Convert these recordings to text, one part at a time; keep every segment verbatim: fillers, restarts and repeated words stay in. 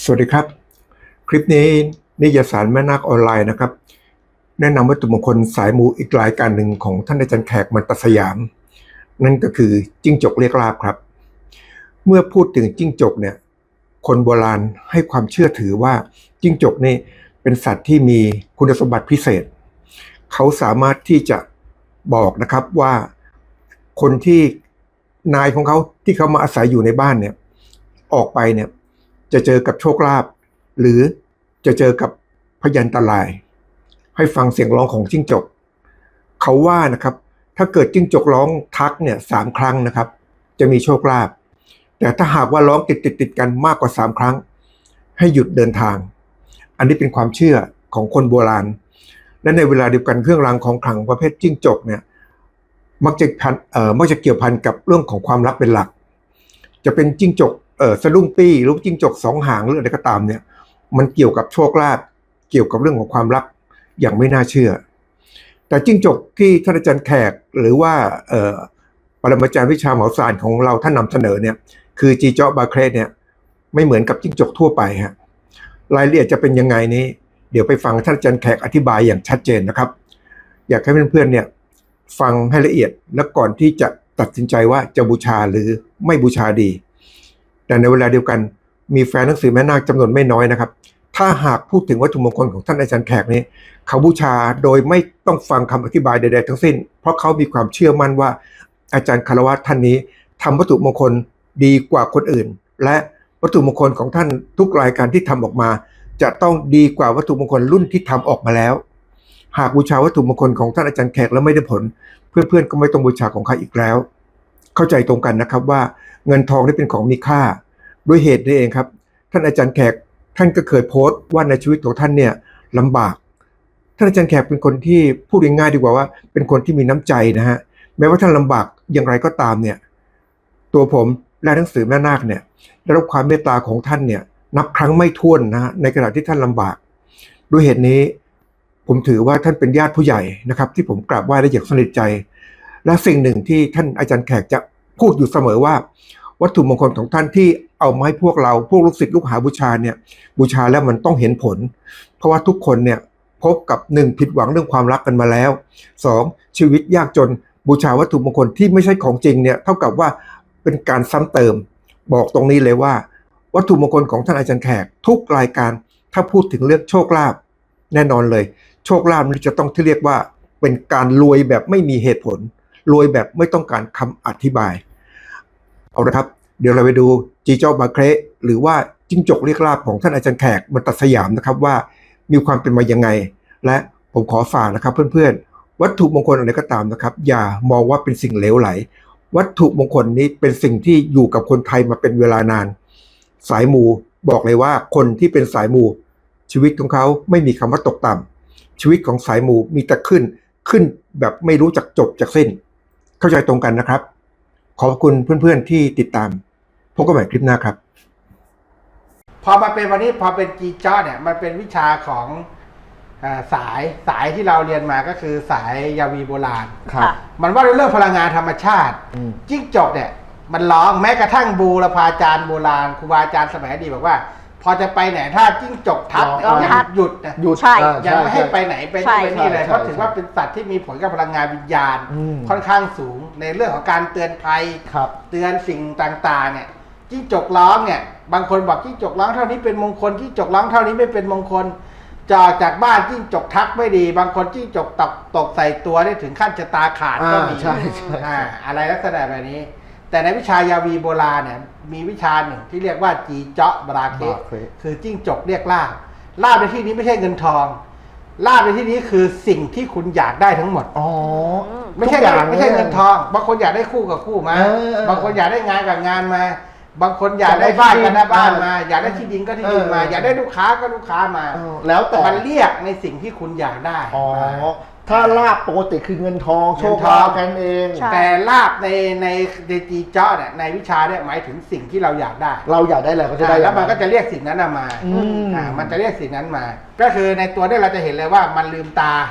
สวัสดีครับคลิปนี้นิยสารแม่นาคออนไลน์นะครับแนะนำวัตถุมงคลสายมูอีกรายการหนึ่งของท่านอาจารย์แขกมันตสยามนั่นก็คือจิ้งจกเรียกลาภครับเมื่อพูดถึงจิ้งจกเนี่ยคนโบราณให้ความเชื่อถือว่าจิ้งจกนี่เป็นสัตว์ที่มีคุณสมบัติพิเศษเขาสามารถที่จะบอกนะครับว่าคนที่นายของเขาที่เขามาอาศัยอยู่ในบ้านเนี่ยออกไปเนี่ยจะเจอกับโชคลาภหรือจะเจอกับพยันตรายให้ฟังเสียงร้องของจิ้งจกเขาว่านะครับถ้าเกิดจิ้งจกร้องทักเนี่ยสามครั้งนะครับจะมีโชคลาภแต่ถ้าหากว่าร้องติดติดติดกันมากกว่าสามครั้งให้หยุดเดินทางอันนี้เป็นความเชื่อของคนโบราณและในเวลาเดียวกันเครื่องรางของขลังประเภทจิ้งจกเนี่ยมักจะพันเอ่อมักจะเกี่ยวพันกับเรื่องของความลับเป็นหลักจะเป็นจิ้งจกเอ่อสะดุ้งปี้หรือจิ้งจกสองหางหรืออะไรก็ตามเนี่ยมันเกี่ยวกับโชคลาภเกี่ยวกับเรื่องของความรักอย่างไม่น่าเชื่อแต่จิ้งจกที่ท่านอาจารย์แขกหรือว่าเอ่อปรมาจารย์วิชาหมอศาสตร์ของเราท่านนำเสนอเนี่ยคือจีเจาะบาเครเนี่ยไม่เหมือนกับจิ้งจกทั่วไปฮะรายละเอียดจะเป็นยังไงนี้เดี๋ยวไปฟังท่านอาจารย์แขกอธิบายอย่างชัดเจนนะครับอยากให้เพื่อนๆเนี่ยฟังให้ละเอียดและก่อนที่จะตัดสินใจว่าจะบูชาหรือไม่บูชาดีแต่ในเวลาเดียวกันมีแฟนหนังสือแม่นาคจำนวนไม่น้อยนะครับถ้าหากพูดถึงวัตถุมงคลของท่านอาจารย์แขกนี้เขาบูชาโดยไม่ต้องฟังคำอธิบายใดๆทั้งสิ้นเพราะเขามีความเชื่อมั่นว่าอาจารย์คารวะท่านนี้ทำวัตถุมงคลดีกว่าคนอื่นและวัตถุมงคลของท่านทุกรายการที่ทำออกมาจะต้องดีกว่าวัตถุมงคลรุ่นที่ทำออกมาแล้วหากบูชาวัตถุมงคลของท่านอาจารย์แขกแล้วไม่ได้ผลเพื่อนๆก็ไม่ต้องบูชาของใครอีกแล้วเข้าใจตรงกันนะครับว่าเงินทองนี่เป็นของมีค่าด้วยเหตุนี้เองครับท่านอาจารย์แขกท่านก็เคยโพสต์ว่าในชีวิตของท่านเนี่ยลำบากท่านอาจารย์แขกเป็นคนที่พูดง่ายๆดีกว่าว่าเป็นคนที่มีน้ำใจนะฮะแม้ว่าท่านลำบากอย่างไรก็ตามเนี่ยตัวผมและหนังสือแม่นาคเนี่ยได้รับความเมตตาของท่านเนี่ยนับครั้งไม่ถ้วนนะฮะในขณะที่ท่านลำบากด้วยเหตุนี้ผมถือว่าท่านเป็นญาติผู้ใหญ่นะครับที่ผมกราบไหว้และอยากสนิทใจและสิ่งหนึ่งที่ท่านอาจารย์แขกจะพูดอยู่เสมอว่าวัตถุมงคลของท่านที่เอามาให้พวกเราพวกลูกศิษย์ลูกหาบูชาเนี่ยบูชาแล้วมันต้องเห็นผลเพราะว่าทุกคนเนี่ยพบกับหนึ่งผิดหวังเรื่องความรักกันมาแล้วสองชีวิตยากจนบูชาวัตถุมงคลที่ไม่ใช่ของจริงเนี่ยเท่ากับว่าเป็นการซ้ำเติมบอกตรงนี้เลยว่าวัตถุมงคลของท่านอาจารย์แขกทุกรายการถ้าพูดถึงเรื่องโชคลาภแน่นอนเลยโชคลาภนี่จะต้องที่เรียกว่าเป็นการรวยแบบไม่มีเหตุผลรวยแบบไม่ต้องการคำอธิบายเอาละครับเดี๋ยวเราไปดูจีเจ้าบาเครหรือว่าจิ้งจกเรียกลาภของท่านอาจารย์แขกมันตัดสยามนะครับว่ามีความเป็นมายังไงและผมขอฝากนะครับเพื่อนๆวัตถุมงคลอะไรก็ตามนะครับอย่ามองว่าเป็นสิ่งเหลวไหลวัตถุมงคลนี้เป็นสิ่งที่อยู่กับคนไทยมาเป็นเวลานานสายมูบอกเลยว่าคนที่เป็นสายมูชีวิตของเขาไม่มีคำว่าตกต่ำชีวิตของสายมูมีแต่ขึ้นขึ้นแบบไม่รู้จักจบจากสิ้นเข้าใจตรงกันนะครับขอบคุณเพื่อนๆที่ติดตามพบกันใหม่คลิปหน้าครับพอมาเป็นวันนี้พอเป็นจีจ้อเนี่ยมันเป็นวิชาของอ่าสายสายที่เราเรียนมาก็คือสายยาวีโบราณครับมันว่าเรื่องพลังงานธรรมชาติจิ้งจกเนี่ยมันร้องแม้กระทั่งบูรพาจารย์โบราณครูบาอาจารย์สมัยอดีตบอกว่าพอจะไปไหนถ้าจิ้งจกทักยังหยุดนะหยุดใช่ยังไม่ให้ไปไหนไปนี่ไปนี่เลยเพราะถือว่าเป็นสัตว์ที่มีผลกับพลังงานวิญญาณค่อนข้างสูงในเรื่องของการเตือนภัยเตือนสิ่งต่างๆเนี่ยจิ้งจกร้องเนี่ยบางคนบอกจิ้งจกร้องเท่านี้เป็นมงคลจิ้งจกร้องเท่านี้ไม่เป็นมงคลจอจากบ้านจิ้งจกทักไม่ดีบางคนจิ้งจกตกตกใส่ตัวได้ถึงขั้นชะตาขาดก็มีใช่ใช่อะไรลักษณะแบบนี้แต่ในวิชายาวีโบราณเนี่ยมีวิชาหนึ่งที่เรียกว่าจีเจาะบราเคคือจิ้งจกเรียกลาภลาภในที่นี้ไม่ใช่เงินทองลาภในที่นี้คือสิ่งที่คุณอยากได้ทั้งหมดอ๋อไม่ใช่ไม่ใช่เงินทองบางคนอยากได้คู่กับคู่มาบางคนอยากได้งานกับงานมาบางคนอยากได้บ้านกันหน้าบ้านมาอยากได้ที่ดินก็ที่ดินมาอยากได้ลูกค้าก็ลูกค้ามาแล้วแต่มันเรียกในสิ่งที่คุณอยากได้อ๋อถ้าลาบปกติคือเงินทองโชคลาภกันเองแต่ลาบในในในจีเจาะเนี่ยในวิชาเนี่ยหมายถึงสิ่งที่เราอยากได้เราอยากได้อะไรก็จะได้แล้วมันก็จะเรียกสิ่งนั้นมาอ่ามันจะเรียกสิ่งนั้นมาก็คือในตัวเนี่ยเราจะเห็นเลยว่ามันลืมตา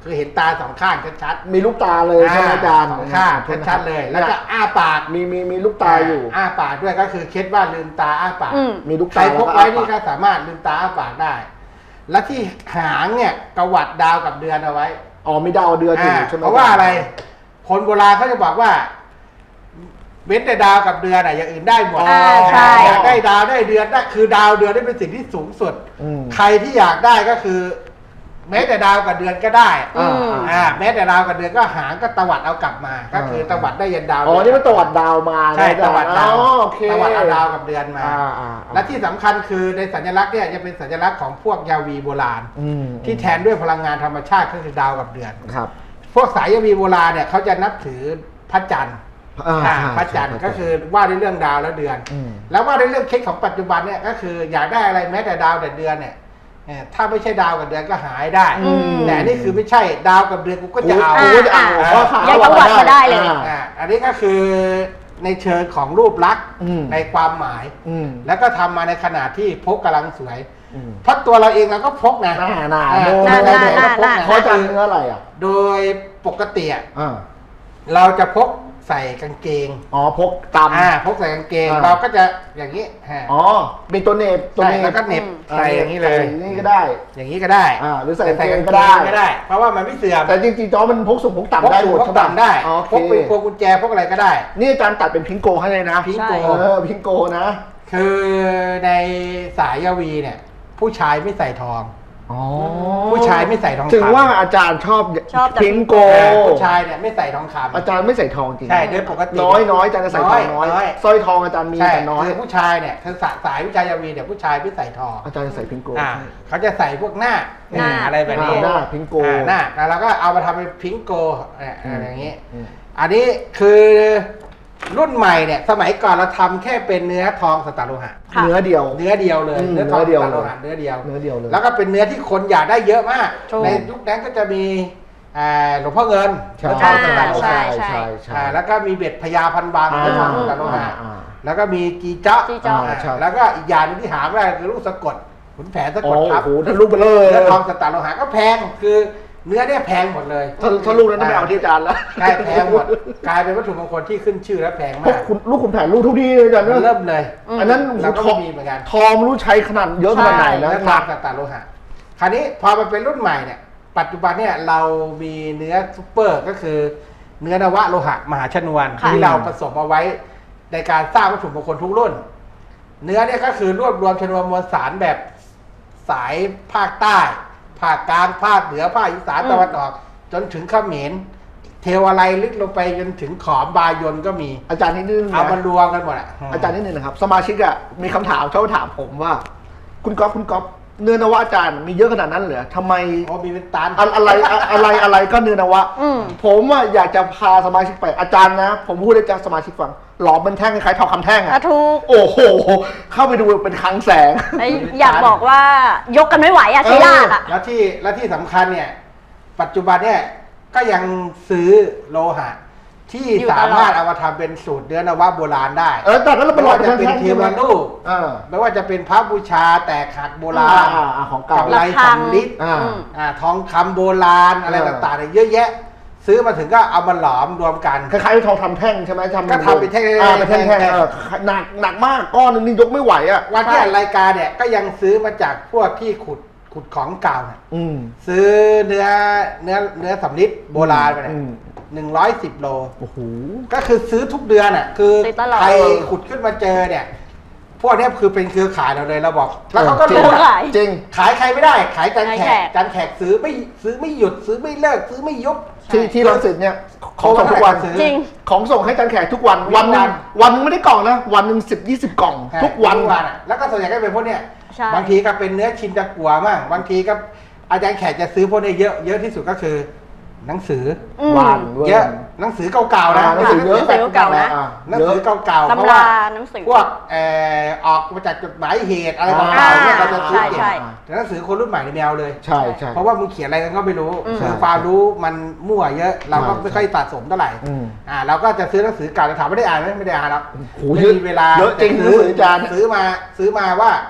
คือเห็นตาสองข้างชัดมีลูกตาเลยๆใช่ไหมอาจารย์สองข้างชัดๆเลย แล้วก็อ้าปากมีมีมีลูกตาอยู่อ้าปากด้วยก็คือเคล็ดว่าลืมตาอ้าปากอืมมีลูกใครตาพกไว้นี่ก็สามารถลืมตาอ้าปากได้ และที่หางเนี่ยกวัดดาวกับเดือนเอาไว้อ๋อมีดาวเดือนอยู่ใช่ไหมเพราะว่าอะไร คนโบราณเขาจะบอกว่า เว้นแต่ดาวกับเดือนอะอย่างอื่นได้หมดอ่าใช่อยากได้ดาวได้เดือนได้คือดาวเดือนได้เป็นสิ่งที่สูงสุดอืมใครที่อยากได้ก็คือ แม้แต่ดาวกับเดือนก็ได้อ่าอ่าแม้แต่ดาวกับเดือนก็หางก็ตวัดเอากลับมา ก็คือตวัดได้ยันดาวอ๋อนี่มันตวัดดาวมาใช่ตวัดดาวอ๋อโอเคตวัดเอาดาวกับเดือนมาอ่าอ่าและที่สำคัญคือในสัญลักษณ์เนี่ยจะเป็นสัญลักษณ์ของพวกยาวีโบราณอืมที่แทนด้วยพลังงานธรรมชาติก็คือดาวกับเดือนครับพวกสายยาวีโบราณเนี่ยเขาจะนับถือพระจันทร์อ่าอ่าใช่พระจันทร์ใช่ก็คือว่าด้วยเรื่องดาวและเดือนอืมแล้วว่าด้วยเรื่องเคสของปัจจุบันเนี่ยก็คืออยากได้อะไรแม้แต่ดาวแต่เดือนเนี่ยเอ่อถ้าไม่ใช่ดาวกับเดือนก็หายได้อืมแต่อันนี่คือไม่ใช่ดาวกับเดือนกูก็จะเอาโอ้โหจะเอาอ่าก็หายังตวัดมาได้เลยอ่าอ่าอันนี้ก็คือในเชิงของรูปลักษณ์อืมในความหมายอืมแล้วก็ทำมาในขณะที่พกกำลังสวยอืมเพราะตัวเราเองเราก็พกนะหน้าหน้าอ่โดหน้าหน้าโดหน้าพกหน้านะเขาจะเนื้ออะไรอ่ะโดยปกติอะอ่าเราจะพกใส่กางเกงอ๋อพกตำอ่าพกใส่กางเกงอ่าเราก็จะอย่างนี้ฮะอ๋อมีตัวเนบตัวใช่เนบแล้วก็เหน็บอ่าใส่อย่างนี้เลยใส่นี่ก็ได้อย่างนี้ก็ได้อ่าหรือใส่แต่กางเกงก็ได้ก็ได้ เพราะว่ามันไม่เสื่อมแต่จริงๆจอมันพกสูงพกพกต่ำได้สูหงมดพกใช่ปะต่ำได้อ๋อพกเป็นพวงกุญแจพกอะไรก็ได้นี่อาจารย์ตัดเป็นพิงโกให้เลยนะพิงโกเออพิงโกนะคือในสายยาวีเนี่ย ผู้ชายไม่ใส่ทองอ๋อผู้ชายไม่ใส่ทองคำถึงว่าอาจารย์ชอบชอบแต่พิงโกเออผู้ชายเนี่ยไม่ใส่ทองคำอาจารย์ไม่ใส่ทองจริงใช่โดยปกติน้อยน้อยอาจารย์จะใส่ทองน้อยน้อยสร้อยทองอาจารย์มีใช่แต่น้อยคือผู้ชายเนี่ยคือสายสายผู้ชายยาวีเนี่ยผู้ชายไม่ใส่ทองอาจารย์จะใส่พิงโกอ่าเขาจะใส่พวกหน้าหน้าอะไรแบบอ่านี้หน้าพิงโกอ่าหน้าแล้วเราก็เอามาทำเป็นพิงโกเนี่ยอะไรอย่างนี้อืมอันนี้คือรุ่นใหม่เนี่ย สมัยก่อนเราทำแค่เป็นเนื้อทองสตาร์โลหะค่ะเนื้อเดียวเนื้อเดียวเลยอืมเนื้อทองเนื้อเดียวสตาร์โลหะเนื้อเดียวเนื้อเดียวเลยแล้วก็เป็นเนื้อที่คนอยากได้เยอะมากถูกในยุคนั้นก็จะมีอ่าหลวงพ่อเงินใช่เนื้อทองสตาร์โลใช่หะใช่ใช่อ่าแล้วก็มีเบ็ดพญาพันบางอ่าเนื้อทองสตาร์โลหะอ่าแล้วก็มีกีจ๊อกจีจ๊อกอ่าใช่แล้วก็อีกอย่างหนึงที่หาไม่ได้คือลูกสะกดขุนแผนสะโอ้กดทับโหถ้าลูกไปเลยเนื้อทองสตาร์โลหะก็แพงคือเนื้อเนี่ยแพงหมดเลยถ้าถ้าลูกนั้นต้องไปเอาที่อาจารย์แล้วใช่แพงหมดกลายเป็นวัตถุมงคลที่ขึ้นชื่อและแพงพวมาก กคุณลูกขุนแผนลูกทุกที่เลยอาจารย์มันนะเริ่มเลยอืมอันนั้นเราก็ทองมีเหมือนกันทองไม่รู้ใช้ขนาดเยอะขนาดไหนนะเนื้อทองสตาร์โลหะคราวนี้พอมันเป็นรุ่นใหม่เนี่ยปัจจุบันเนี่ยเรามีเนื้อซุปเปอร์ก็คือเนื้อนวะโลหะมหาชนวนค่ะที่เราผสมเอาไว้ในการสร้างวัตถุมงคลทุกรุ่น เนื้อเนี่ยก็คือรวบรวมชนวนมวลสารแบบสายภาคใต้ ภาคกลางภาคเหนือภาคอีสานตะวันออก จนถึงเขมรเทวอะไรลึกลงไปจนถึงขอมบายนก็มีอาจารย์นิดนึงเอานะมารวมกันหมดอ่ะอาจารย์นิดนึงนะครับ สมาชิกอะมีคำถามชอบถามผมว่า คุณก๊อฟคุณก๊อฟเนื้อนวะอาจารย์มีเยอะขนาดนั้นเหรอทำไมโอ้มีเป็นตันอะอะไรอะอะไรอะไรก็เนื้อนวะอืมผมอะอยากจะพาสมาชิกไปอาจารย์นะ ผมพูดให้อาจารย์สมาชิกฟังหลอมเป็นแท่งคล้ายๆทองคำแท่งอ่ะอะถูกโอ้โห เข้าไปดูเป็นคลังแสงไอ้อยากบอกว่ายกกันไม่ไหวอะใช้ลากอะแล้วที่แล้วที่สำคัญเนี่ย ปัจจุบันเนี่ยก็ยังซื้อโลหะ ที่อยู่ตลอดสามารถเอามาทำเป็นสูตรเนื้อนวะโบราณได้เออแต่นั้นเราเป็ไม่นหลอว่ามเป็นจะเป็นแท่งๆเทใช่ไหวมรูปอ่าไม่ว่าจะเป็นพระบูชาแตกหักโบราณอ่าอ่าของเก่ากำไรระฆังสำลิดอ่าอืมอ่าทองคำโบราณอะไรเออต่างๆเนี่ยเยอะแยะ ซื้อมาถึงก็เอามาหลอมรวมกันคล้ายๆทองคำแท่งใช่ไหมทำก็ทำเป็นแท่งๆอ่าเป็นแท่งแท่งๆๆเออหนักหนักมากก้อนนึงนี่ยกไม่ไหวอ่ะวันที่อัดรายการเนี่ยก็ยังซื้อมาจากพวกที่ขุดขุดของเก่าเนี่ยอืมซื้อเนื้อเนื้อเนื้อสำลิดโบราณไปเนี่ยอืมหนึ่งร้อยสิบโลโอ้โหก็คือซื้อทุกเดือนอ่ะ คือซื้อตลอดใครขุดขึ้นมาเจอเนี่ย พวกเนี้ยคือเป็นเครือข่ายเราเลยเราบอก แล้วเขาก็จริงรู้ขายจริงขายใครไม่ได้ ขายจานแขขายแขกกจานแขกซื้อไม่ซื้อไม่หยุด ซื้อไม่เลิก ซื้อไม่ยุบที่ที่รังสิตเนี่ยของส่งทุกวันซื้อจริงของส่งให้จันแขกทุกวันทุกวัวัน นหนึงวันหนึงไม่ได้กล่องนะ วันหนึ่งสิบยี่สิบกล่อง ทุกวันทุกวันอ่ะแล้วก็ส่วนใหญ่ก็เป็นพวกเนี้ยใช่บางทีก็เป็นเนื้อชินตะกัวมั่งบางทีก็อาจารย์แขกจะซื้อพวกเนี้ยเยอะเยอะที่สุดก็คือ หนังสืออืมวานว้เยอะหนังสือเก่าๆนะอ่าหนังสือเยอะหนังสือเก่าๆนะอ่าหนังเยสืออะเก่าๆเพตำราะราว่าหนังสือพวกเอ่อออกมาจากจดหมายเหตุอะไรอ่าต่างๆเนี่ยเราจะซื้อใช่เก็บใช่แต่หนังสือคนรุ่นใหม่ในแมวเลยใช่ใช่เพราะว่ามึงเขียนอะไรกันก็ไม่รู้อืมคือความรู้มันมั่วเยอะ เราก็ใช่ไม่ค่อยสะสมเท่าไหร่อืมอ่าเราก็จะซื้อหนังสือเก่าแต่ถามไม่ได้อ่านไหมไม่ได้อ่านหรอกโอ้โหไม่เยอะมีเวลาเยอะจริงหนังสืออาจารย์ซื้อมาซื้อมาว่า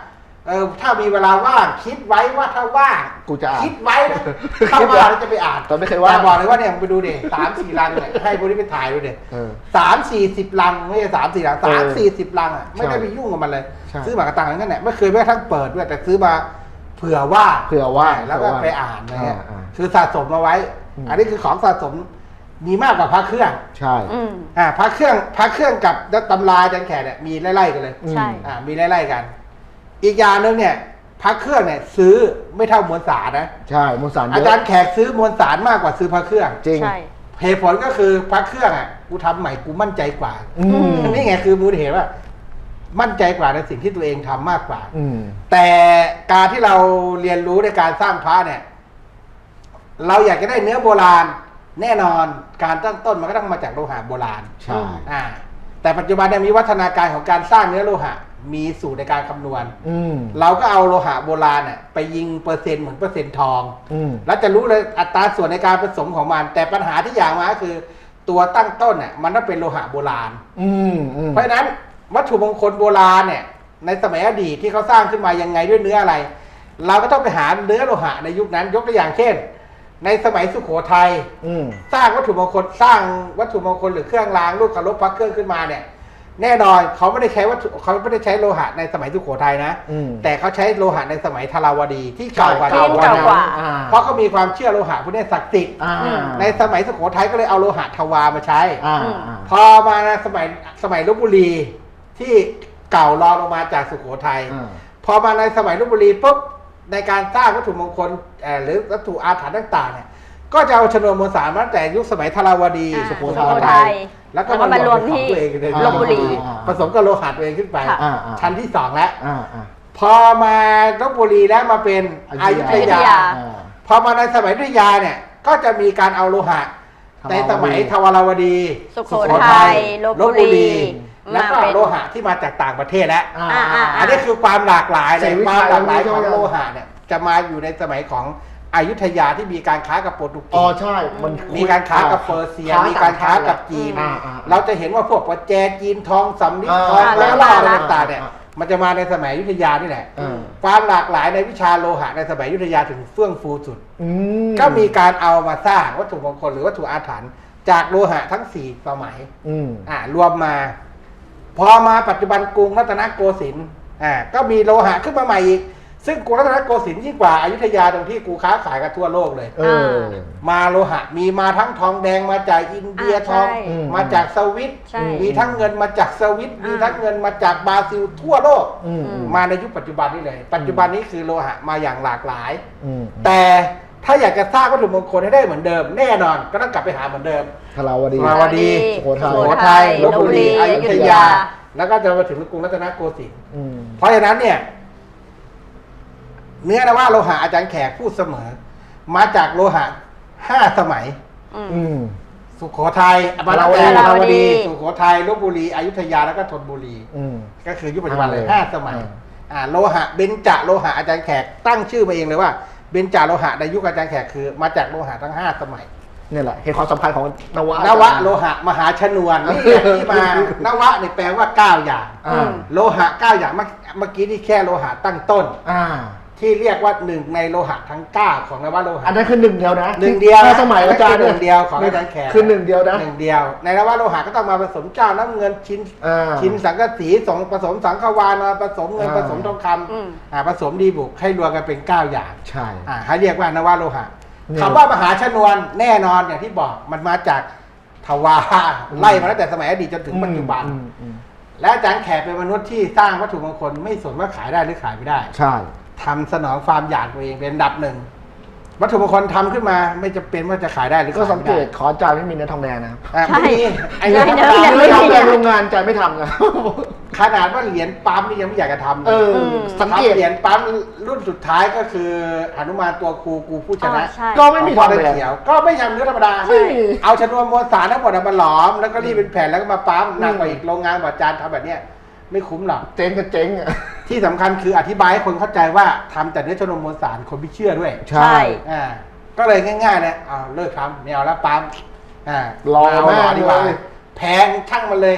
เออถ้ามีเวลาว่างคิดไว้ว่าถ้าว่างกูจะอ่านคิดไว้นะถ้าว่างแล้วจะไปอ่านตอนไม่เคยว่างแต่บอกเลยว่าเนี่ยไปดูเด็สามสี่ลังเนี่ยให้พวกนี้ไปถ่ายดูเด็เออสามสี่สิบลังไม่ใช่สามสี่ลังเอสามอสี่สิบลังอ่ะไม่ได้ใช่ไปยุ่งกับมันเลยใช่ซื้อหมากกระตังนั่นแหละไม่เคยแม้กระทั่งเปิดด้วยแต่ซื้อมาเผื่อว่าเผื่อว่าแล้วก็เผื่อว่าไปอ่านอะไรเงี้ยอ่าอ่าคือสะสมมาไว้อืมอันนี้คือของสะสมมีมากกว่าพระเครื่องใช่อืมอ่าพระเครื่องพระเครื่องกับตำราอาจารย์แขกเนี่ยมีไล่ๆกันเลยอืมใช่อ่ามีไล่ๆกัน อีกอย่างหนึงเนี่ยพระเครื่องเนี่ยซื้อไม่เท่ามวลสารนะใช่มวลสารเยอาอะจารย์แขกซื้อมวลสารมากกว่าซื้อพระเครื่องจริงใช่เหตุผลก็คือพระเครื่องอ่ะกูทำใหม่กูมั่นใจกว่าอืมนี่ไงคือมูลเหตุว่า มั่นใจกว่าในสิ่งที่ตัวเองทำมากกว่าอืมแต่การที่เราเรียนรู้ในการสร้างพระเนี่ย เราอยากจะได้เนื้อโบราณ แน่นอนการตั้งต้นมันก็ต้องมาจากโลหะโบราณใช่อ่า แต่ปัจจุบันเนี่ยมีวัฒนาการของการสร้างเนื้อโลหะ มีสูตรในการคำนวณอืมเราก็เอาโลหะโบราณเนี่ยไปยิงเปอร์เซ็นต์เหมือนเปอร์เซ็นต์ทองอืมแล้วจะรู้เลยอัตราส่วนในการผสมของมัน แต่ปัญหาที่อย่างมาก็คือ ตัวตั้งต้นเนี่ยมันต้องเป็นโลหะโบราณอืมอืมเพราะฉะนั้นวัตถุมงคลโบราณเนี่ยในสมัยอดีตที่เขาสร้างขึ้นมายังไงด้วยเนื้ออะไร เราก็ต้องไปหาเนื้อโลหะในยุคนั้นยกตัวอย่างเช่น ในสมัยสุโขทัยอืมสร้างวัตถุมงคลสร้างวัตถุมงคลหรือเครื่องรางรูปเคารพพระเครื่องขึ้นมาเนี่ยแน่นอนเขาไม่ได้ใช้วัตถุเขาไม่ได้ใช้โลหะในสมัยสุโขทัยนะอืมแต่เขาใช้โลหะในสมัยธาราวดีที่เก่ากว่าใช่นั้นเก่ากว่าอ่เพราะเขามีความเชื่อโลหะพวกนี้ศักดิ์สิทธิ์อ่าในสมัยสุโขทัยก็เลยเอาโลหะทวามาใช้อ่าอืมอ่าพอมาในสมัยสมัยลพบุรีที่เก่ารองลงมาจากสุโขทัยอ่าพอมาในสมัยลพบุรีปุ๊บในการสร้างวัตถุมงคลเอ่อหรือวัตถุอาถรรพ์ต่างๆเนี่ยก็จะเอาชนวนมวลสารมาตั้งแต่ยุคสมัยธาราวดีอ่าสุโขสุโขทัทัยยแล้วก็แล้วก็มามาร รววมมที่ที่ตัวเองในลพบุรีผสมกับโลหะตัวเองขึ้นไปค่ะอ่าอ่าชั้นที่สองแล้วอ่าอ่าพอมาลพบุรีแล้วมาเป็นอยุธอยุธยายาอ่าพอมาในสมัยอยุธยาเนี่ยก็จะมีการเอาโลหะธาราวดีในสมัยทวารวดีสุโขทัยลพบุรีแล้วก็มาเป็นโลหะที่มาจากต่างประเทศแล้วอ่าอ่าอ่าอันนี้คือความหลากหลายเลใส่ยวิคชาวามหลากหลายใช่ขไหมองโลหะเนี่ยจะมาอยู่ในสมัยของอยุธยาที่มีการค้ากับโปรตุเกอ๋อสใช่มันมีการค้ากับเปอร์เซีย มีการค้ากับจีนอ่าอ่าเราจะเห็นว่าพวกประแจจีนทองสำลิดอ่าทองอ่าแล้วล่าอะไรอ่าต่างๆเนี่ยอ่ามันจะมาในสมัยอยุธยานี่แหละอ่าความหลากหลายในวิชาโลหะในสมัยอยุธยาถึงเฟื่องฟูสุดอืมก็มีการเอามาสร้างวัตถุมงคลหรือวัตถุอาถรรพ์จากโลหะทั้งสี่สมัยอืมอ่ารวมมา พอมาปัจจุบันกรุงรัตนโกสินทร์อ่าก็มีโลหะขึ้นมาใหม่อีกซึ่งกรุงรัตนโกสินทร์ยิ่งกว่าอยุธยาตรงที่กูค้าขายกันทั่วโลกเลยเออมาโลหะมีมาทั้งทองแดงมาจากอินเดียอ่าทองใช่อืมมาจากสวิตใช่มีทั้งเงินมาจากสวิตมีอ่าทั้งเงินมาจากบราซิลทั่วโลกอืมมาในยุคปัจจุบันนี้เลย ปัจจุบันนี้คือโลหะมาอย่างหลากหลายอืมแต่ถ้าอยากจะสร้างวัตถุมงคลให้ได้เหมือนเดิม แน่นอนก็ต้องกลับไปหาเหมือนเดิมธาราวดีธาราวดีสุโขทัยสุโขทัยลลพพบุบุรีรีออยุยุธธยายาแล้วก็จะมาถึงกรุงรัตนโกสินทร์อืมเพราะฉะนั้นเนี่ย เนื้อนะว่าโลหะอาจารย์แขกพูดเสมอ มาจากโลหะห้าสมัยอืมอืมสุโขทัยมาตั้งแต่ธาราวดีธาราวดี สุโขทัยลพบุรีอยุธยาแล้วก็ธนบุรีอืมก็คือยุคปัจจุบันเลยอ่าห้าสมัยอ่าอ่าโลหะเบญจโลหะอาจารย์แขกตั้งชื่อมาเองเลยว่าเบญจโลหะในยุคอาจารย์แขกคือ มาจากโลหะทั้งห้าสมัยเนี่ยแหละเหตุความสำคัญของนวะนวะโลหะมหาชนวนนี่แหละที่มานวะเนี่ยแปลว่าเก้าอย่างอ่าโลหะเก้าอย่างเมื่อเมื่อกี้นี่แค่โลหะตั้งต้นอ่าที่เรียกว่าหนึ่งในโลหะทั้งเก้าของนวโลหะอันนั้นคือหนึ่งเดียวนะหนึ่งเดียวห้าสมัยอาจารย์หนึ่งเดียวของอาจารย์แขกคือหนึ่งเดียวนะหนึ่งเดียว ในนวโลหะก็ต้องมาผสมเจ้าน้ำเงินชิ้นอ่าชิ้นสังกะสีสองผสมสังขวานมาผสมเงินอ่าผสมทองคอืมำอ่าผสมดีบุกให้รวมกันเป็นเก้าอย่างใช่อ่าให้เรียกว่านวโลหะเนี่ยคำว่ามหาชนวนแน่นอนอย่างที่บอกมันมาจากทวารไล่มาตั้งแต่สมัยอดีตจนถึงปัจจุบันอืมอืมและอาจารย์แขกเป็นมนุษย์ที่สร้างวัตถุมงคลไม่สนว่าขายได้หรือขายไม่ได้ใช่ทำสนองความอยากตัวเองเป็นอันดับหนึ่งวัตถุมงคลทำขึ้นมาไม่จะเป็นว่าจะขายได้หรือก็ขายสังไม่เกได้ตขออาจารย์ไม่มีเนื้อทองแดงนะครับอ่ะใช่ไม่มีไอ้ใช่เนื้อเนื้อทำไม่ไม่ทำทำแดเลงยโรงงานอาจารย์ไม่ทำนะขนาดว่าเหรียญปั๊มนี่ยังไม่อยากจะทำเอออืมสังเกตทำเหรียญปั๊มรุ่นสุดท้ายก็คือหนุมานตัวครูกูผู้ชนะอ๋อใช่ก็ไม่มีขทออง งพ่แดงเขียวก็ไม่ทำเนื้อธรรมดาไม่มีเอาชนวนมวลสารทั้งหมดเอามาหลอม แล้วก็รีดเป็นแผ่นแล้วก็มาปั๊มหนักกว่าอีกโรงงานกว่าจานทำแบบเนี้ยไม่คุ้มหรอกเจ๊งก็เจ๊งอ่ะที่สำคัญคืออธิบายให้คนเข้าใจว่าทำแต่เนื้อชนวนมวลสารคนไม่เชื่อด้วยใช่อ่าก็เลยง่ายๆนะเอาเลิกทำไม่เอาแล้วปั๊มอ่ารอเาหล่อดีกว่าเลยแพงช่างมันเลย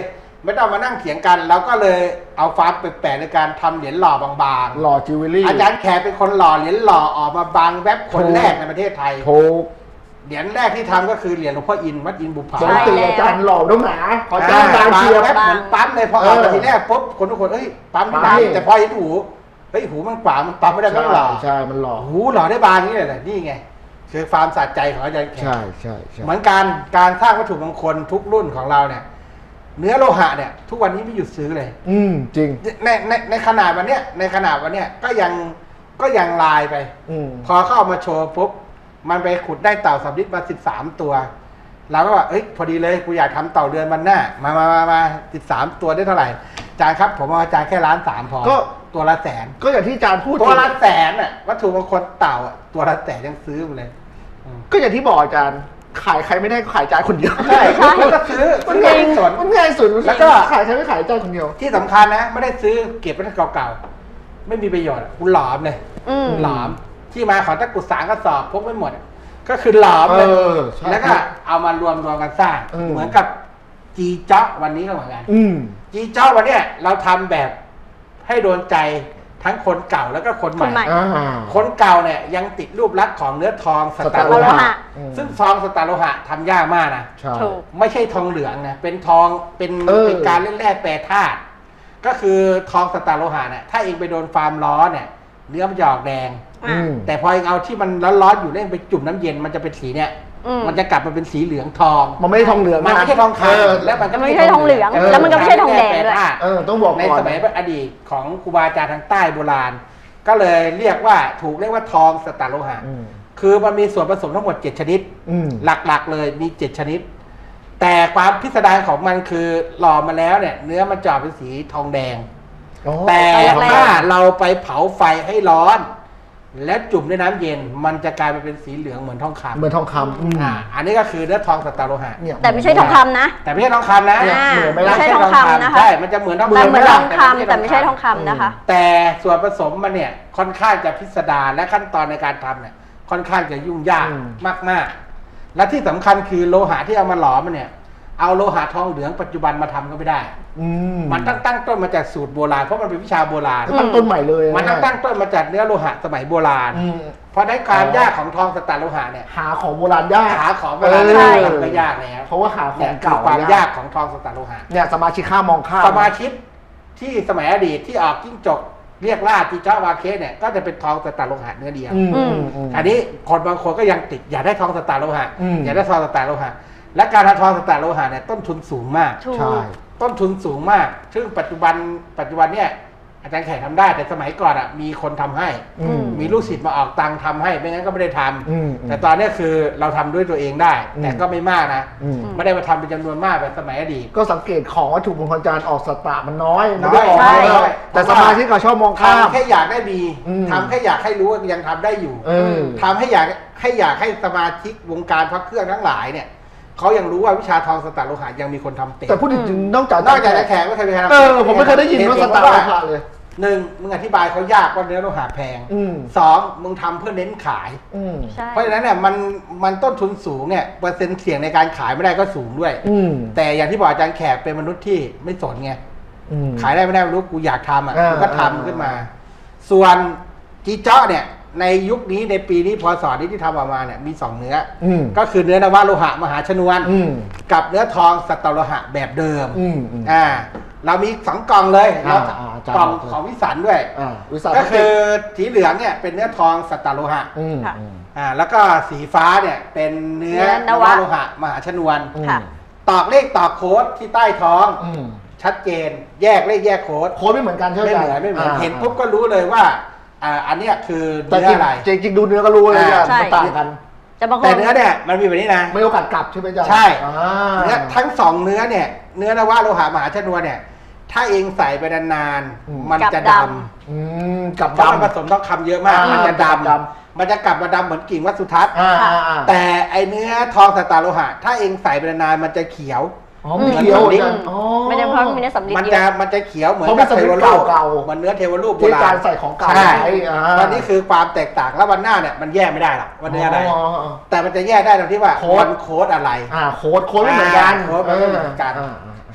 ไม่ต้องมานั่งเถียงกันเราก็เลยเอาฟาร์มแปลกๆในการทำเหรียญหล่อบางหล่อจิวเวลรี่ๆอาจารย์แขกเป็นคนหล่อเหรียญหล่อออกมาบางแวบคนแรกในประเทศไทยถูกเหรียญแรกที่ทำก็คือเหรียญหลวงพ่ออินทร์วัดอินทร์บุพาปกติอาจารย์หล่อต้องหนาขออาจารย์บางเชียร์แวบเหมือนปั๊มเลยพอออกมาทีแรกปุ๊บคนทุกคนเอ้ยปั๊มที่ไหนปั๊มแต่พอเห็นหูเฮ้ยหูมันกว่ามันปั๊มไม่ได้ก็หล่อใช่มันหล่อหูหล่อได้บางนี่แหละนี่ไงคือความสะใจของอาจารย์แขกใช่ใช่ใช่เหมือนการการสร้างวัตถุมงคลทุกรุ่นของเราเนี่ย เนื้อโลหะเนี่ย ทุกวันนี้ไม่หยุดซื้อเลยอืมจริงในในในขนาดวันเนี้ยในขนาดวันเนี้ยก็ยังก็ยังลายไปอืมพอเข้าเอามาโชว์ปุ๊บมันไปขุดได้เต่าสำลิดมาสิบสามตัวเราก็ว่าเอ้ยพอดีเลยกูอยากทำเต่าเดือนวันหน้ามามามามาสิบสามตัวได้เท่าไหร่อาจารย์ครับผมเอาอาจารย์แค่ล้านสามพอก็ตัวละแสนก็อย่างที่อาจารย์พูดตัวละแสนอ่ะวัตถุมงคลเต่าอ่ะตัวละแสนยังซื้อมาเลยอืมก็อย่างที่บอกอาจารย์ขายใครไม่ได้ก็ขายอาจารย์คนเดียวใช่แล้วก็ซื้อมันซื้อง่ายไม่สนมันง่ายสุดแล้วก็ขายใครไม่ขายอาจารย์คนเดียวที่สำคัญนะ ไม่ได้ซื้อเก็บไว้เก่าๆไม่มีประโยชน์อะกูหลอมเลยอืมหลอมที่มาของตะกรุดสางกระสอบพกไม่หมดอะก็คือหลอมเลยเออใช่แล้วก็เอามารวมรวมกันสร้างอืมเหมือนกับจีเจ้าวันนี้ก็เหมือนกันอืมจีเจ้าวันเนี้ยเราทำแบบให้โดนใจทั้งคนเก่าแล้วก็คนใหคนใหม่ม่อ่าคนเก่าเนี่ยยังติดรูปลักษณ์ของเนื้อทองสตาร์โลสตาร์โลหะหะ อืมซึ่งทองสตาร์โลหะทำยากมากนะใช่ถูกไม่ใช่ทองเหลืองนะเป็นทองเป็นเออเป็นการเล่นแร่แปรธาตุก็คือทองสตาร์โลหะเนี่ยถ้าเองไปโดนฟาร์มร้อนเนี่ยเนื้อมันจะออกแดงอืมแต่พอเองเอาที่มันร้อนๆอยู่เล่นไปจุ่มน้ำเย็นมันจะเป็นสีเนี่ยอืมมันจะกลับมาเป็นสีเหลืองทองมันไม่ได้ทองเหลืองมันไม่ใช่ทองเออคำแล้วมันก็มันไม่ใช่ทองเหลืองเออแล้วมันก็ไม่ใช่ทองแดงด้วยเออต้องบอกในก่อนสมัยอดีตของครูบาอาจารย์ทางใต้โบราณ ก็เลยเรียกว่าถูกเรียกว่าทองสตาร์โลหะอืมคือมันมีส่วนผสมทั้งหมดเจ็ดชนิดอืมหลักๆเลยมีเจ็ดชนิด แต่ความพิสดารของมันคือหล่อมาแล้วเนี่ย เนื้อมันจะออกเป็นสีทองแดงอ๋อแต่ทองแดงถ้าเราไปเผาไฟให้ร้อน แล้วจุ่มด้วยน้ำเย็น มันจะกลายไปเป็นสีเหลืองเหมือนทองคำเหมือนทองคำอืมอ่าอันนี้ก็คือเนื้อทองสตาร์โลหะเนี่ยแต่ไม่ใช่ทองคำนะแต่ไม่ใช่ทองคำนะเนี่ยอ่าเหมือนไหมไม่ล่ะใช่ทองคำนะคะใช่มันจะเหมือนทองแต่เหมือนทองแต่คำแต่ไม่ใช่ทองคำนะคะแต่ส่วนผสมมันเนี่ยค่อนข้างจะพิสดารและขั้นตอนในการทำเนี่ยค่อนข้างจะยุ่งยากอืมมากๆ และที่สำคัญคือโลหะที่เอามาหลอมมันเนี่ย เอาโลหะทองเหลืองปัจจุบันมาทำก็ไม่ได้อืมมันตั้งตั้งต้นมาจากสูตรโบราณเพราะมันเป็นวิชาโบราณก็ตั้งต้นใหม่เลยมันตั้งตั้งต้นมาจากเนื้อโลหะสมัยโบราณอืมเพราะในความอ๋อยากของทองสตาร์โลหะเนี่ยหาของโบราณยากหาของโบราณเออได้ทำก็ยากแล้วเพราะว่าหาขเนี่อย งคือเก่าความยากของทองสตาร์โลหะเนี่ยสมาชิกข้ามองข้ามสมาชิกที่สมัยอดีตที่ออกจิ้งจกเรียกล่าจีจ้าวาเคสเนี่ยก็จะเป็นทองสตาร์โลหะเนื้อเดียวอืมอืมอืมอันนี้คนบางคนก็ยังติดอยากได้ทองสตาร์โลหะอืมอยากได้ทองสตาร์โลหะและการทำทองสตาร์โลหะเนี่ยต้นทุนสูงมากถูกใช่ต้นทุนสูงมาก ซึ่งปัจจุบันปัจจุบันเนี่ยอาจารย์แขกทำได้แต่สมัยก่อนอ่ะมีคนทำให้อืมมีลูกศิษย์มาออกตังค์ทำให้ไม่งั้นก็ไม่ได้ทำอืมแต่ตอนเนี้ยคือเราทำด้วยตัวเองได้อืมแต่ก็ไม่มากนะอืมไม่ได้มาทำเป็นจำนวนมากแบบสมัยอดีตก็สังเกตของวัตถุมงคลอาจารย์ออกสตาร์มันน้อยน้อยไม่ได้ออกใช่เยอะแต่สมาชิกเขาชอบมองข้ามทำแค่อยากได้มีอืมทำแค่อยากให้รู้ว่ายังทำได้อยู่เออทำให้อยากให้อยากให้สมาชิกวงการพระเครื่องทั้งหลายเนี่ยเขายังรู้ว่าวิชาทองสตาร์โลหะยังมีคนทำเต็มแต่พูดจริงๆนอกจากนอกจากอาจารย์แขกไม่เคยไปทำเออผมไม่เคยได้ยินว่าสตาร์โลหะเลยหนึ่งมึงอธิบายเขายากว่าเนื้อโลหะแพงอืมสองมึงทำเพื่อเน้นขายอืมใช่เพราะฉะนั้นเนี่ยมันมันต้นทุนสูงเนี่ยเปอร์เซ็นต์เสี่ยงในการขายไม่ได้ก็สูงด้วยอืมแต่อย่างที่บอกอาจารย์แขกเป็นมนุษย์ที่ไม่สนไงอืมขายได้ไม่ได้ไม่รู้กูอยากทำอ่ะอ่ากูก็ทำขึ้นมา ส่วนจีเจ้าเนี่ยในยุคนี้ในปีนี้พศนี้ที่ทำออกมาเนี่ยมีสองเนื้อออืมก็คือเนื้อนวโลหะมหาชนวนอืมกับเนื้อทองสตาร์โลหะแบบเดิมอืมอืมอ่าเรามีสองกล่องเลยอ่าเราอ่าอาจารย์กล่องบอกเลยของวิสันด้วยอ่าวิสาหก็กิคืจอสีเหลืองเนี่ยเป็นเนื้อทองสตาร์โลหะอืมค่ะอืมอ่าแล้วก็สีฟ้าเนี่ยเป็นเนื้อเนื้นอนววะโลหะมหาชนวนอืมค่ะตอกเลขตอกโค้ดที่ใต้ท้องอืมชัดเจน แยกเลขแยกโค้ดโค้ดไม่เหมือนกันใช่ไหมไม่เหมือนไม่เหมือนาเห็นปุ๊บก็รู้เลยว่าอ่าอันเนี้ยคือแต่เนื้ออะไรจริงจริงๆดูเนื้อก็รู้เลยอ่าอ่ะใช่มันต่างกันแต่บางคแต่นเนื้อเนี่ยมันมีแบบนี้นะไม่โอกาสกลับใช่ไหมจ๊ะใช่อ่าเนื้อทั้งสองเนื้อเนี่ยเนื้อนวโลหะมหาชนวนเนี่ยถ้าเองใส่ไปนานๆมันจะดำอืมกลับเพราะมันผดำสมต้องคำเยอะมากอ่ามัมันจะดดำมันจะกลับมาดำเหมือนกิ่งวัดสุทัศน์อ่าอ่าอ่าแต่ไอเนื้อทองสตาร์โลหะถ้าเองใส่ไปนานๆมันจะเขียวอ๋อมีเขียวเหมือนเหมือนกันอ๋อไม่ได้เพราะมีเนื้อสำลีมันเยจะอะมันจะเขียวเหมือนเพราะเป็นกับเทวสำลีรูปเก่าๆมันเนื้อเทวรูปโบที่ราการณใส่ของเก่าใช่ไว้อ่าวันนี้คือความแตกต่างแล้ววันหน้าเนี่ยมันแยกไม่ได้หรอกว่าเนื้ออะไรอ๋อแต่มันจะแยกได้ตรงที่ว่าโค้ดมันโค้ดอะไรอ่าโค้ดโค้ดไม่เหมือนกันอ่าโค้ดมันไม่เหมือนกันอ่าอ่า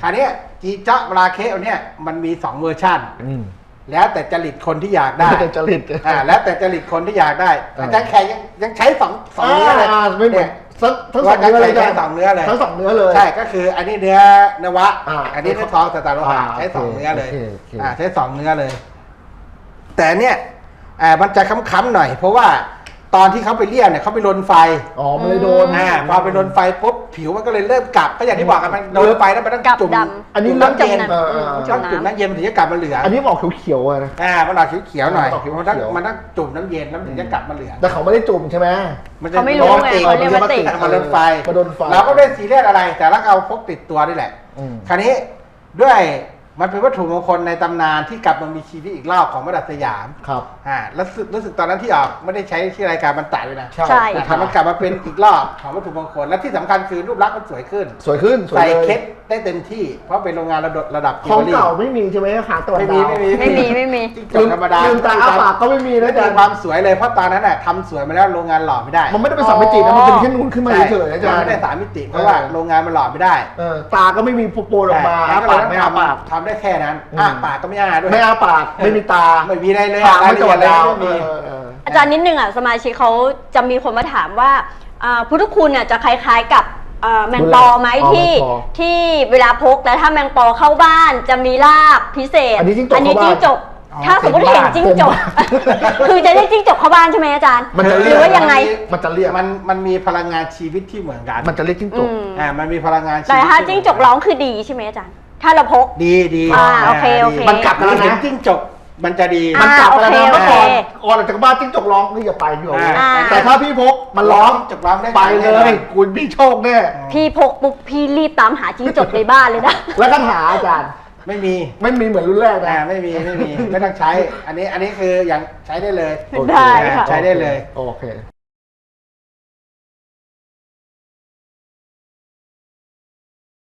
คราวเนี้ยจีเจาะราเคสเนี่ยมันมีสองเวอร์ชันอืมแล้วแต่จริตคนที่อยากได้แต่จริตอ่าแล้วแต่จริตคนที่อยากได้เออออาจารย์แขกยังยังใช้สองสองเนื้อเลยาไม่เหมือนยทั้งทั้งสองเนื้อเลยใช้สองเนื้อเลยทั้งสองเนื้อเลยใช่ก็คืออันนี้เนื้อนวะอ่าอันนี้เนื้อทองสตาร์โลหะอ่าใช้สองโอเคเนื้อเลยโอเคโอเคอ่าใช้สองเนื้อเลย แต่เนี่ยอ่ามันจะค้ำๆหน่อย เพราะว่าตอนที่เขาไปเลี่ยมเนี่ยเขาไปลนไฟอ๋อมันเลยโดนอ่าพอไปลนไฟปุ๊บผิวมันก็เลยเริ่มกลับก็อย่างที่บอกกันมันโดนไฟแล้วมันต้องกลับจุ่มดำอันนี้จุ่มเริ่มน้ำเย็นจมเออเออน้ำต้องจุ่มน้ำเย็นถึงจะกลับมาเหลืองอันนี้บอกเขียวๆอะนะอ่ามันออกเขียวๆหน่อยมันออกเขียวๆมันต้องมันต้องจุ่มน้ำเย็นแล้วมันถึงจะกลับมาเหลืองแต่เขาไม่ได้จุ่มใช่ไหมนจะเขาไม่รู้ไงติดเขาเรียกว่าติดมาโดนไฟมาโดนไฟเราก็ไม่ได้ซีเรียสอะไร แต่เราเอาพกติดตัวนี่แหละอืมคราวนี้ด้วยมันเป็นวัตถุมงคลในตำนานที่กลับมามีชีวิตอีกรอบของมาดัสยามครับอ่าแล้วรู้สึกรู้สึกตอนนั้นที่ออกไม่ได้ใช้ชื่อรายการบรรตัยด้วยนะใช่ใช่แต่ทำมันกลับมาเป็นอีกรอบของวัตถุมงคลและที่สำคัญคือรูปลักษณ์มันสวยขึ้นสวยขึ้นสวยใส่เลยเคสได้เต็มที่ เพราะเป็นโรงงานระดับระดับของจิววลรี่เก่าไม่มีใช่ไหมขาตะวันไม่ดามีวไม่มีไม่มีไม่มีจิ้งจกธรรมดาลืมตาอ้าปากก็ไม่มีนะไม่อาจามีรย์ความสวยเลยเพราะตอนนั้นน่ะทำสวยมาแล้วโรงงานหล่อไม่ได้มันไม่ได้เป็นสามมิตินะมันเป็นแค่นูนขึ้นมาเฉยๆนะอาจารย์ไม่ได้สามมิติเพราะว่าโรงงานมันหล่อไม่ได้เออตาก็ไม่มีโปรๆออกมาอ้าปากไม่อ้าปากทำได้แค่นั้นอืมอ้าปากก็ไม่อ้าด้วยไม่อ้าปากไม่มีตาไม่มีอะไรเลยปากรายไม่ละตะเอีวัยดนเลยดาวไม่มีเออเอออาจารย์นิดนึงอ่ะสมาชิกเขาจะมีคนมาถามว่าอ่าพุทธคุณเนี่ยจะคล้ายๆกับอ่าแมงปอไหมอ๋อที่แมงปอที่เวลาพกแล้วถ้าแมงปอเข้าบ้านจะมีลาบพิเศษอันนี้จิ้งจกอันนี้เข้าบ้านจิ้งจกอ๋อถ้าสมมติเห็นจิ้งจกเต็มบ้านคือจะได้จิ้งจกเข้าบ้านใช่ไหมอาจารย์มันจะหเรีรืยกอว่ายังไงมันจะเรียกมันมันมีพลังงานชีวิตที่เหมือนกันมันจะเรียกจิ้งจอืกมอ่ามันมีพลังงานชีวิตแต่ถ้าที่จิ้งจกร้องคือดีใช่ไหมอาจารย์ ถ้าเราพกดีดีอ่าโอเคโอเคมันกลับมาเห็นจิ้งจกมันจะดีมันกลับไปแล้วนะอ่าโอเคเมื่อก่อนโอเคก่อนออกจากบ้านจิ้งจกร้องนี่อย่าไปพี่โอ๋อ่าแต่ถ้าพี่พกมันร้องจิ้งจกร้องได้ไปเลย คุณพี่โชคแน่พี่พกปุ๊บพี่รีบตามหาจิ้งจกในบ้านเลยนะแล้วคาถาอาจารย์ไม่มีไม่มีเหมือนรุ่นแรกนะอ่าไม่มีไม่มีไม่ต้องใช้ อันนี้อันนี้คืออย่างใช้ได้เลยได้ค่ะใช้ได้เลยโอเค